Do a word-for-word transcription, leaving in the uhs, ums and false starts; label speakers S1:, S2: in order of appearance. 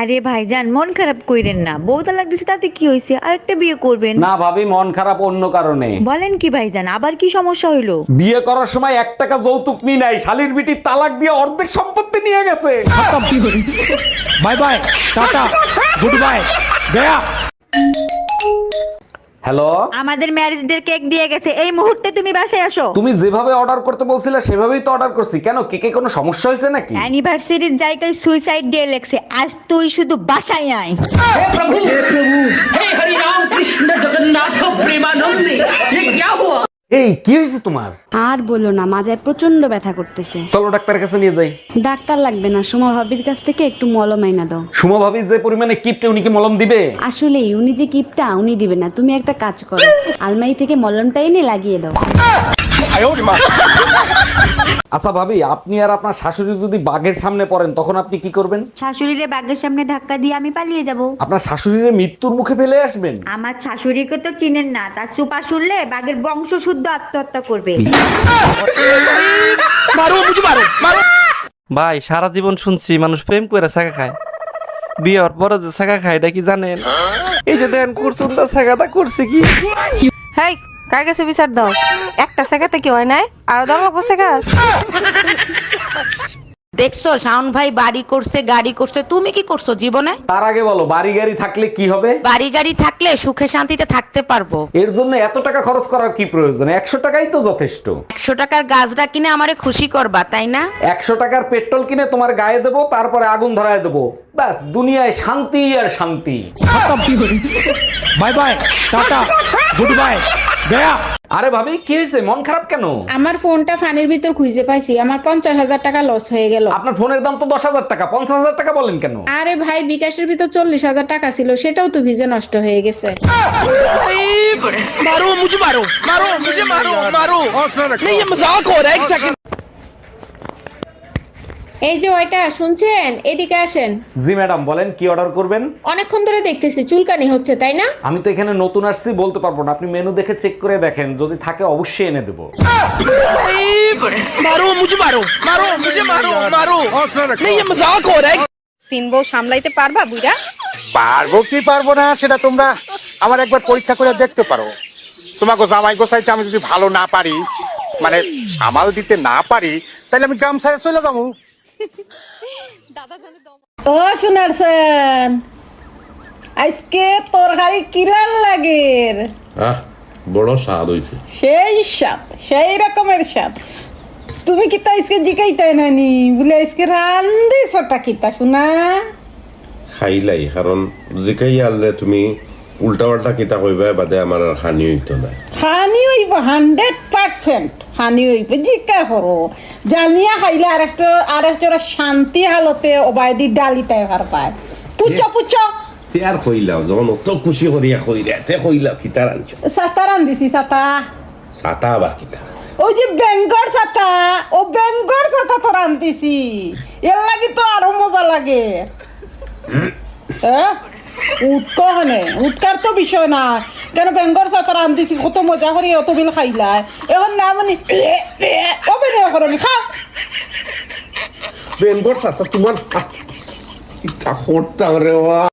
S1: আরে ভাইজান মন খারাপ কইরেন না, বউ তালাক দিছে তাতে কি হইছে, আরেকটা বিয়ে করবেন।
S2: না ভাবি, মন খারাপ অন্য কারণে।
S1: বলেন কি ভাইজান, আবার কি সমস্যা হইলো?
S2: বিয়ে করার সময় এক টাকা যৌতুক নি নাই, শালির বিটি তালাক দিয়ে অর্ধেক সম্পত্তি নিয়ে গেছে।
S3: Bye bye, tata, good bye, গয়া।
S2: হ্যালো,
S1: আমাদের ম্যারেজ ডে কেক দিয়ে গেছে, এই মুহূর্তে তুমি বাসায় আসো।
S2: তুমি যেভাবে অর্ডার করতে বলছিলে সেভাবেই তো অর্ডার করছি। কেন, কেকে কোনো সমস্যা হয়েছে নাকি?
S1: অ্যানিভার্সারির জায়গায় সুইসাইড ডে লেখছে, আজ তুই শুধু বাসায় আয়।
S2: এই কি হয়েছে তোমার?
S4: আর বলো না, মাজায় প্রচন্ড ব্যথা করতেছে।
S2: চলো ডাক্তারের কাছে নিয়ে যাই।
S4: ডাক্তার লাগবে না, সুমা ভাবির কাছ থেকে একটু মলম আইনা দাও।
S2: সুমা ভাবি যে পরিমাণে কিপটে, উনি কি মলম দিবে?
S4: আসলে উনি যে কিপটা, উনি দিবে না। তুমি একটা কাজ করো, আলমারি থেকে মলমটা এনে লাগিয়ে দাও।
S2: আচ্ছা ভাবি, আপনি আর আপনার শাশুড়ি যদি বাঘের সামনে পড়েন তখন আপনি কি করবেন?
S1: শাশুড়িরে বাগের সামনে ধাক্কা দিয়ে আমি পালিয়ে যাব।
S2: আপনার শাশুড়ির মৃত্যুর মুখে ফেলে আসবেন?
S1: আমার শাশুড়িকে তো চিনেন না, তার সুপা শুনলে বাগের বংশ শুদ্ধ আত্মহত্যা করবে।
S5: ভাই সারা জীবন শুনছি মানুষ প্রেম করে ছাকা খায়, বিয়ের পরে যে ছাকা খায় এটা কি জানেন? এই যে দেন করছুন না, ছাকাটা করছে কি?
S6: হেই, কার কাছে বিচার দাও? একটা সেকাতে কি হয় নাই, আর দাও লাগবো সেকা।
S7: দেখছো শাওন ভাই বাড়ি করছে, গাড়ি করছে, তুমি কি করছো জীবনে?
S2: তার আগে বলো, বাড়ি গাড়ি থাকলে কি হবে?
S7: বাড়ি গাড়ি থাকলে সুখে শান্তিতে থাকতে পারবো।
S2: এর জন্য এত টাকা খরচ করার কি প্রয়োজন? একশো টাকাই তো যথেষ্ট।
S7: একশো টাকার গাছটা কিনে আমারে খুশি করবা, তাই না?
S2: একশো টাকার পেট্রোল কিনে তোমার গায়ে দেবো, তারপরে আগুন ধরায় দেবো, ব্যাস দুনিয়ায় শান্তি আর শান্তি।
S3: Bye bye, tata, good bye, গয়া।
S2: আরে ভাবি, কি হয়েছে? মন খারাপ কেন?
S8: আমার ফোনটা ফানির ভিতর খুঁজে পাইছি, আমার পঞ্চাশ হাজার টাকা লস হয়ে গেল।
S2: আপনার ফোনের দাম তো দশ হাজার টাকা, পঞ্চাশ হাজার টাকা বলেন কেন?
S8: আরে ভাই, বিকাশের ভিতর চল্লিশ হাজার টাকা ছিল, সেটাও তো ভিজে নষ্ট হয়ে গেছে।
S3: मारो मुझे, मारो मारो मुझे, मारो मारो नहीं, ये मजाक हो रहा है। एक सेकंड।
S8: এই যে ওইটা শুনছেন, এদিকে আসেন।
S2: জি ম্যাডাম, বলেন কি অর্ডার করবেন?
S8: অনেকক্ষণ ধরে দেখতেছি চুলকানি হচ্ছে, তাই না?
S2: আমি তো এখানে নতুন আসছি, বলতে পারবো না। আপনি মেনু দেখে চেক করে দেখেন, যদি থাকে অবশ্যই এনে দেবো।
S3: मारो मुझे, मारो मारो मुझे, मारो मारो नहीं, ये मजाक हो रहा है।
S6: তিন বউ সামলাইতে পারবা বুইরা?
S9: পারবো কি পারবো না সেটা তোমরা আমার একবার পরীক্ষা করে দেখতে পারো। তোমাকে জামাই গোসাইতে আমি যদি ভালো না পারি, মানে সামাল দিতে না পারি, তাহলে আমি গ্রাম ছেড়ে চলে যাবো।
S8: ও শুনারছেন, আজকে তরকারি কিরান লাগে?
S10: আহ, বড় স্বাদ হইছে।
S8: সেই স্বাদ, সেই রকমের স্বাদ। তুমি কি তা আজকে জিকাইতে নানি বলে আজকে রান্দিছটা কিতা শুনা?
S10: খাইলাই, কারণ জিকাই আনলে তুমি উল্টা পাল্টা কিতা কইবা, বাদে আমার আর হানি হইতো না।
S8: হানি হইব, হান্ড্রেড পার্সেন্ট হানি হইব। জিকা করো জানিয়া খাইলে আর একটা আর একটা শান্তি হালতে অবায়দি ডালি তাই ভার পায়। পুচ্ছ পুচ্ছ
S10: তে আর কইলাও, যখন অত খুশি করিয়া কই রে, তে কইলাও কিতা রাঞ্চ।
S8: সাতা রান্দিছি, সাতা।
S10: সাতা আবার কিতা?
S8: ওই যে বেঙ্গর সাতা, ও বেঙ্গর সাতা তো রান্দিছি, এর লাগি তো আরো মজা লাগে। হ্যাঁ, উৎক হনে উৎকার তো বিষয় না, কেন বেঙ্গর সাতা রান্দিছি, কত মজা করি অত বিল খাইলাই। এখন না মানে অভিনয় করনি, খাও।
S10: বেনগর সাতা তোমার কিতা করতাম রে।